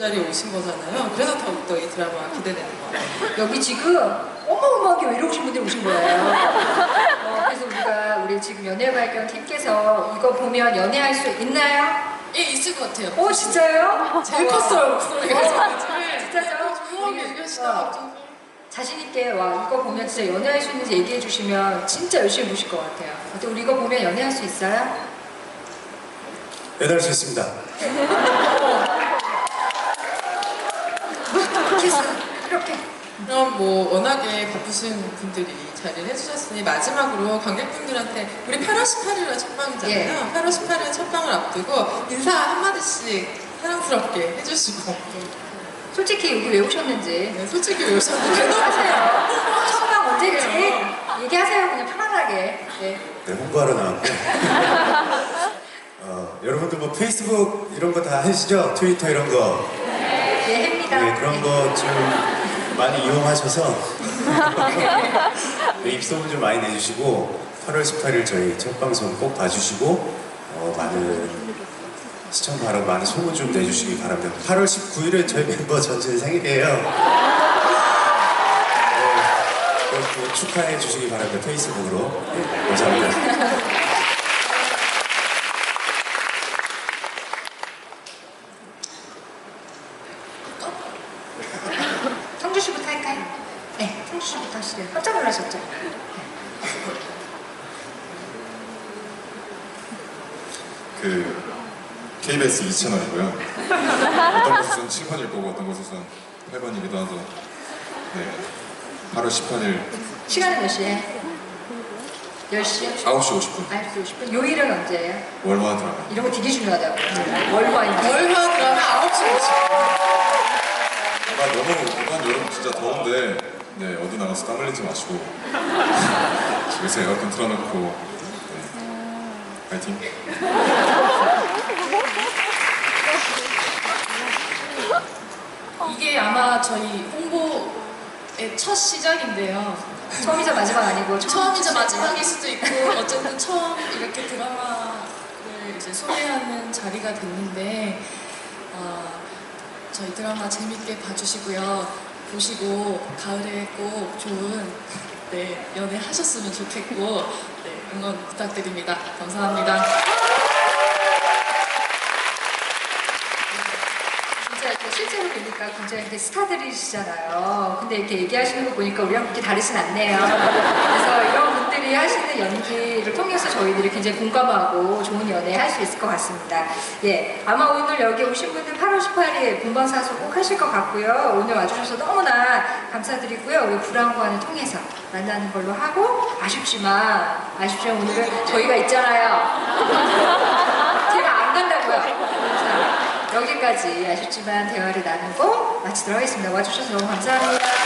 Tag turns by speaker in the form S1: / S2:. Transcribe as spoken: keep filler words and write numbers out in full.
S1: 자리에 오신 거잖아요. 그래서 더욱더 이 드라마가 기대되는 거예요.
S2: 여기 지금 어마어마하게 외로우신 분들이 오신 거예요. 어, 그래서 우리가 우리 지금 연애발견 팀께서 이거 보면 연애할 수 있나요?
S1: 예, 있을 것 같아요.
S2: 오, 진짜요?
S1: 제일 컸어요, 목소리가.
S2: 어, 진짜죠?
S1: 조용하게 얘기하시다가 좀.
S2: 자신있게 와 이거 보면 진짜 연애할 수 있는지 얘기해 주시면 진짜 열심히 보실 것 같아요. 근데 우리 이거 보면 연애할 수 있어요?
S3: 연애할 수 있습니다.
S2: 키스 이렇게.
S1: 그럼 뭐 워낙에 바쁘신 분들이 자리를 해주셨으니 마지막으로 관객분들한테 우리 팔월 십팔일날 첫 방이잖아요.
S2: 예.
S1: 팔월 십팔일 첫 방을 앞두고 인사 한마디씩 사랑스럽게 해주시고.
S2: 솔직히 여기 왜 오셨는지
S1: 네, 솔직히 왜 오셨는지
S2: 하세요. 첫방 언제인지 얘기하세요. 그냥 편안하게. 네.
S3: 네, 홍보하러 나왔고. 어, 여러분들 뭐 페이스북 이런 거 다 하시죠? 트위터 이런 거.
S2: 네, 합니다.
S3: 네, 그런 거 좀 많이 이용하셔서 네, 입소문 좀 많이 내주시고 팔월 십팔일 저희 첫 방송 꼭 봐주시고 어, 많은 시청 바라고 많은 소문 좀 내주시기 바랍니다. 팔월 십구일에 저희 멤버 전체 생일이에요. 네, 꼭 축하해 주시기 바랍니다. 페이스북으로. 네, 감사합니다.
S2: 성주 씨부터 할까요? 네, 성주 씨부터 하시래요. 깜짝 놀라셨죠?
S4: 그 케이비에스 이 채널이고요. 어떤 곳에서는 칠 번일 거고 어떤 곳에서는 팔 번이기도 하죠. 네, 팔월 십팔일
S2: 시간은 몇 시에? 열 시요?
S4: 아홉 시 오십 분
S2: 아홉 시 오십 분. 요일은 언제예요?
S4: 월화 드라마.
S2: 이런 거 되게 중요하다고. 월화인지.
S1: 월화 드라마 아홉 시 오십 분.
S4: 아, 너무 이번 여름 진짜 더운데 네, 어디 나가서 땀 흘리지 마시고 집에서 에어컨 틀어놓고 네, 파이팅!
S5: 이게 아마 저희 홍보의 첫 시작인데요.
S2: 처음이자 마지막 아니고
S5: 처음이자 마지막일 수도 있고 어쨌든 처음 이렇게 드라마를 이제 소개하는 자리가 됐는데 어, 저희 드라마 재밌게 봐주시고요. 보시고 가을에 꼭 좋은 네, 연애 하셨으면 좋겠고 네, 응원 부탁드립니다. 감사합니다.
S2: 진짜 이렇게 실제로 보니까 굉장히 이렇게 스타들이시잖아요. 근데 이렇게 얘기하시는 거 보니까 우리랑 그렇게 다르진 않네요. 그래서 이런 분들이 하시는 연기를 통해서 저희들이 굉장히 공감하고 좋은 연애 할 수 있을 것 같습니다. 예, 아마 오늘 여기 오신 분들 팔월 십팔일 본방사수 꼭 하실 것 같고요. 오늘 와주셔서 너무나 감사드리고요. 우리 불안관을 통해서 만나는 걸로 하고 아쉽지만 아쉽지만 오늘은 저희가 있잖아요. 제가 안 간다고요. 자, 여기까지 아쉽지만 대화를 나누고 마치도록 하겠습니다. 와주셔서 너무 감사합니다.